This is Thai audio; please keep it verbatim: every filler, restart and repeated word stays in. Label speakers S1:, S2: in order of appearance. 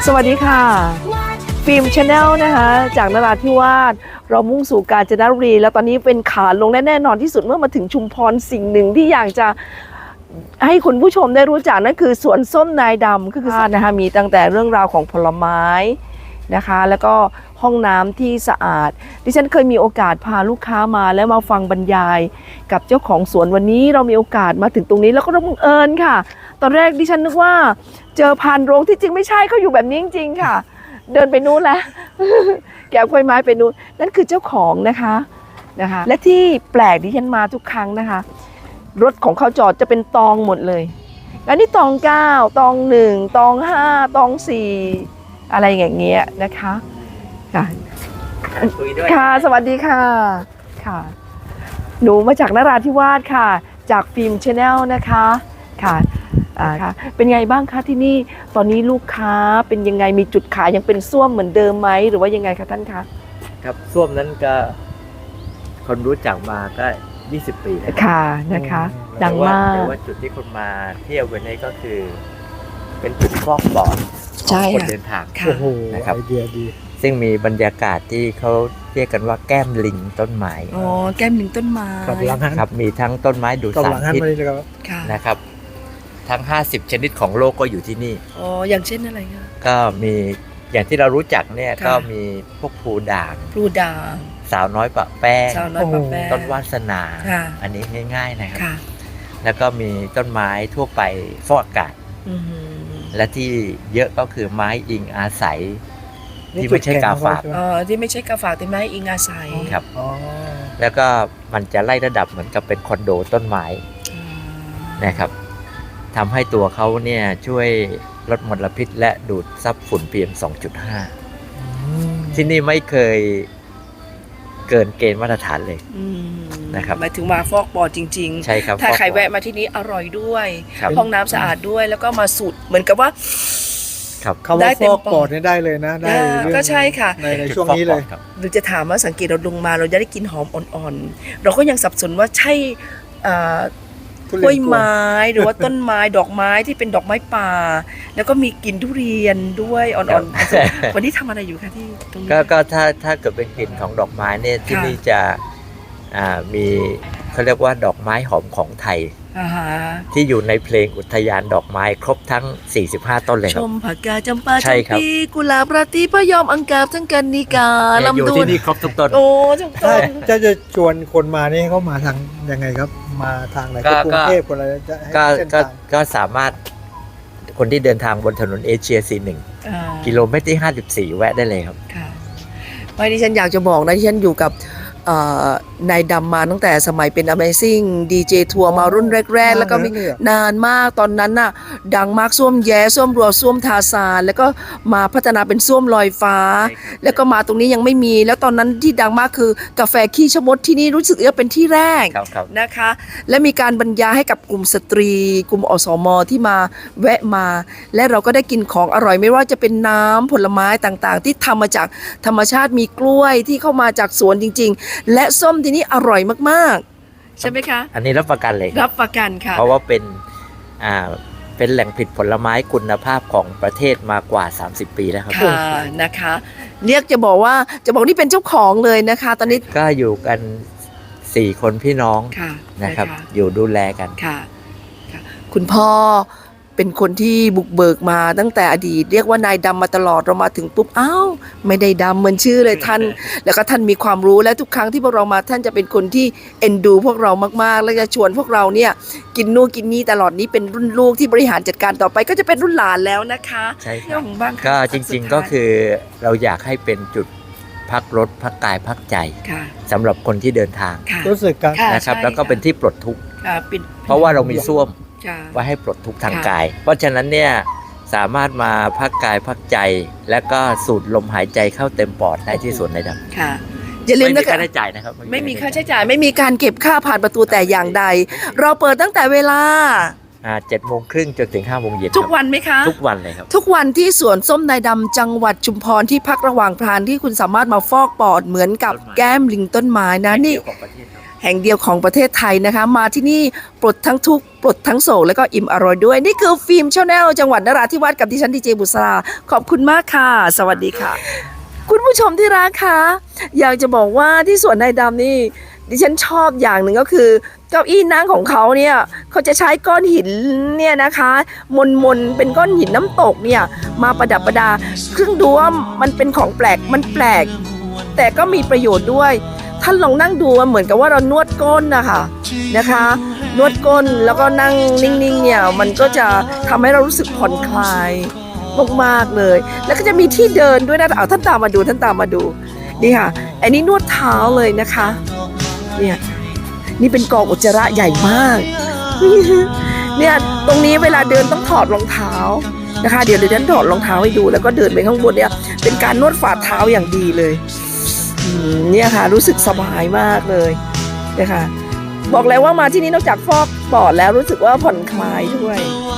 S1: สวัสดีค่ะฟิล์มชาแนลนะคะจากนราธิวาสเรามุ่งสู่กาญจนบุรีแล้วตอนนี้เป็นขาลงและแน่นอนที่สุดเมื่อมาถึงชุมพรสิ่งหนึ่งที่อยากจะให้คุณผู้ชมได้รู้จักนั่นคือสวนส้มนายดำก็คือนะคะมีตั้งแต่เรื่องราวของผลไม้นะคะแล้วก็ห้องน้ำที่สะอาดดิฉันเคยมีโอกาสพาลูกค้ามาแล้วมาฟังบรรยายกับเจ้าของสวนวันนี้เรามีโอกาสมาถึงตรงนี้แล้วก็บังเอิญค่ะตอนแรกดิฉันนึกว่าเจอพานโรงที่จริงไม่ใช่เขาอยู่แบบนี้จริงๆค่ะเดินไปนู้นแล้ว แกะกล้วยไม้ไปนู้นนั่นคือเจ้าของนะคะนะคะและที่แปลกที่ฉันมาทุกครั้งนะคะรถของเขาจอดจะเป็นตองหมดเลยแล้วนี่ตองเก้าตองหนึ่งตองห้าตองสี่อะไรอย่างเงี้ยนะคะค่ะค่ะสวัสดีค่ะค่ะหนูมาจากนราธิวาสค่ะจากฟิล์มชาแนลนะคะค่ะอ่าค่ะเป็นไงบ้างคะที่นี่ตอนนี้ลูกค้าเป็นยังไงมีจุดขายยังเป็นส้วมเหมือนเดิมไหมหรือว่ายังไงคะท่านคะ
S2: ครับส้วมนั้นก็คนรู้จักมาก็ยี่สิบปีแล้ว
S1: ค่ะนะคะดังมาก
S2: แต่ว่าจุดที่คนมาเที่ยววันนี้ก็คือเป็นจุดฟอกปอดของคนเดินทางนะครับไอเดียดีซึ่งมีบรรยากาศที่เขาเรียกกันว่าแก้มลิงต้นไม้
S1: อ๋อแก้มลิงต้นไม้
S2: ครับมีทั้งต้นไม้ดูดสารพิษนะครับทั้งห้าสิบชนิดของโลกก็อยู่ที่นี่
S1: อ๋ออย่างเช่นอะไรคะ
S2: ก็มีอย่างที่เรารู้จักเนี่ยก็มีพวกพลูด่าง
S1: พลูด่าง
S2: สาวน้อยปะแป้งต้นวาสนาอันนี้ง่ายๆนะครับแล้วก็มีต้นไม้ทั่วไปฟอกอากาศและที่เยอะก็คือไม้อิงอาศัยที่ไม่ใช่กาฝาก
S1: อ๋อที่ไม่ใช่กาฝากแต่ไม้อิงอาศัย
S2: ครับแล้วก็มันจะไล่ระดับเหมือนกับเป็นคอนโดต้นไม้นะครับทำให้ตัวเขาเนี่ยช่วยลดมลพิษและดูดซับฝุ่น พี เอ็ม สองจุดห้า ที่นี่ไม่เคยเกินเกณฑ์มาตรฐานเลยนะครับ
S1: หมายถึงมาฟอกปอดจริงๆ
S2: ใช่ครับ
S1: ถ้าใครแวะมาที่นี้อร่อยด้วยห้องน้ำสะอาดด้วยแล้วก็มาสูดเหมือนกับว่า
S3: เขาว่าฟอกปอดได้เลยนะได้
S1: ก็ใช่ค่ะ
S3: ในช่วงนี้เลย
S1: หรือจะถามว่าสังเกตเราลงมาเราจะได้กลิ่นหอมอ่อนๆเราก็ยังสับสนว่าใช่กล้วยไม้หรือว่าต้นไม้ดอกไม้ที่เป็นดอกไม้ป่าแล้วก็มีกลิ่นทุเรียนด้วยอ่อนๆวันนี้ทำอะไรอยู่คะที่ตรงนี้
S2: ก็ถ้าถ้าเกิดเป็นกลิ่นของดอกไม้เนี่ยที่นี่จะมีเขาเรียกว่าดอกไม้หอมของไทยที่อยู่ในเพลงอุทยานดอกไม้ครบทั้งสี่สิบห้าต้นเลยครับ
S1: ชมผักกาดจำปาจำปีกุหลาบราตรีพะยอมอังกาบทั้งกันนิกา
S2: ลำดวนอยู่ที่นี่ครบทุกต้น
S1: โอ้ทุกต้น
S3: ถ้าจะชวนคนมานี่เขามาทางยังไงครับมาทางไหนกรุงเทพคนอะไรจะ
S2: ก็ก็สามารถคนที่เดินทางบนถนนเอเชีย สี่สิบเอ็ด กิโลเมตรที่ห้าสิบสี่แวะได้เลยครับ
S1: ค่ะไม่ดิฉันอยากจะบอกนะที่ฉันอยู่กับนายดำมาตั้งแต่สมัยเป็น Amazing ดี เจ ทัวร์มารุ่นแรกๆแล้วก็มีนานมากตอนนั้นน่ะดังมากส้วมแย้ส้วมรัวส้วมทาซานแล้วก็มาพัฒนาเป็นส้วมลอยฟ้าแล้วก็มาตรงนี้ยังไม่มีแล้วตอนนั้นที่ดังมากคือกาแฟขี้ชะมดที่นี่รู้สึกว่าเป็นที่แรกนะคะและมีการบรรยายให้กับกลุ่มสตรีกลุ่มอสม.ที่มาแวะมาและเราก็ได้กินของอร่อยไม่ว่าจะเป็นน้ำผลไม้ต่างๆที่ทำมาจากธรรมชาติมีกล้วยที่เข้ามาจากสวนจริงๆและส้มที่นี่อร่อยมากๆใช่ไหมคะ
S2: อันนี้รับประกันเลย
S1: รับประกันค่ะ
S2: เพราะว่าเป็นอ่าเป็นแหล่งผลิตผลไม้คุณภาพของประเทศมากว่าสามสิบปีแล้วครับ
S1: ค่ะนะคะเรียกจะบอกว่าจะบอกนี่เป็นเจ้าของเลยนะคะตอนนี้
S2: ก็อยู่กันสี่คนพี่น้องนะครับอยู่ดูแลกัน
S1: ค่ะคุณพ่อเป็นคนที่บุกเบิกมาตั้งแต่อดีตเรียกว่านายดำมาตลอดเรามาถึงปุ๊บอ้าวไม่ได้ดำเหมือนชื่อเลยท่านแล้วก็ท่านมีความรู้และทุกครั้งที่พวกเรามาท่านจะเป็นคนที่เอ็นดูพวกเรามากๆและจะชวนพวกเราเนี่ยกินนู่นกินนี่ตลอดนี้เป็นรุ่นลูกที่บริหารจัดการต่อไปก็จะเป็นรุ่นหลานแล้วนะคะ
S2: ใช่ครับก็จริงๆก็คือเราอยากให้เป็นจุดพักรถพักกายพักใจสำหรับคนที่เดินทาง
S3: รู้สึกกัน
S2: นะครับแล้วก็เป็นที่ปลดทุกข์เพราะว่าเรามีส้วมไว้ให้ปลดทุกข์ทางกายเพราะฉะนั้นเนี่ยสามารถมาพักกายพักใจและก็สูดลมหายใจเข้าเต็มปอดได้ที่สวนนายดำ
S1: ค่ะอย่าลืมนะ
S2: ไม่มีค่าใช้จ่ายนะครับ
S1: ไม่มีค่าใช้จ่ายไม่มีการเก็บค่าผ่านประตูแต่อย่างใดเราเปิดตั้งแต่เวลา
S2: เจ็ดโมงครึ่งจนถึงห้าโมงเย็น
S1: ทุกวันไหมคะ
S2: ทุกวันเลยครับ
S1: ทุกวันที่สวนส้มนายดำจังหวัดชุมพรที่พักระหว่างพรานที่คุณสามารถมาฟอกปอดเหมือนกับแก้มลิงต้นไม้นะนี่แห่งเดียวของประเทศไทยนะคะ มาที่นี่ปลดทั้งทุกข์ปลดทั้งโศกแล้วก็อิ่มอร่อยด้วย นี่คือฟิล์มชาแนลจังหวัดนราธิวาสกับดิฉันดีเจบุษราขอบคุณมากค่ะ สวัสดีค่ะ คุณผู้ชมที่รักคะอยากจะบอกว่าที่สวนนายดำนี่ดิฉันชอบอย่างหนึ่งก็คือเก้าอี้นั่งของเขาเนี่ยเขาจะใช้ก้อนหินเนี่ยนะคะมนมนๆเป็นก้อนหินน้ำตกเนี่ยมาประดับประดาซึ่งดูว่ามันเป็นของแปลกมันแปลก แต่ก็มีประโยชน์ด้วยท่านลองนั่งดูเหมือนกับว่าเรานวดก้นนะคะนะคะ นวดก้นแล้วก็นั่งนิ่งๆเนี่ยมันก็จะทำให้เรารู้สึกผ่อนคลายมากๆเลย แล้วก็จะมีที่เดินด้วยนะเอาท่านตามมาดูท่านตามมาดูนี่ค่ะอันนี้นวดเท้าเลยนะคะเนี่ยนี่เป็นกองอุจจาระใหญ่มากเนี่ยตรงนี้เวลาเดินต้องถอดรองเท้านะคะเดี๋ยวเดี๋ยวฉันถอดรองเท้าให้ดูแล้วก็เดินไปข้างบนเนี่ยเป็นการนวดฝ่าเท้าอย่างดีเลยอืมเนี่ยค่ะรู้สึกสบายมากเลยนะคะบอกแล้วว่ามาที่นี่นอกจากฟอกปอดแล้วรู้สึกว่าผ่อนคลายด้วย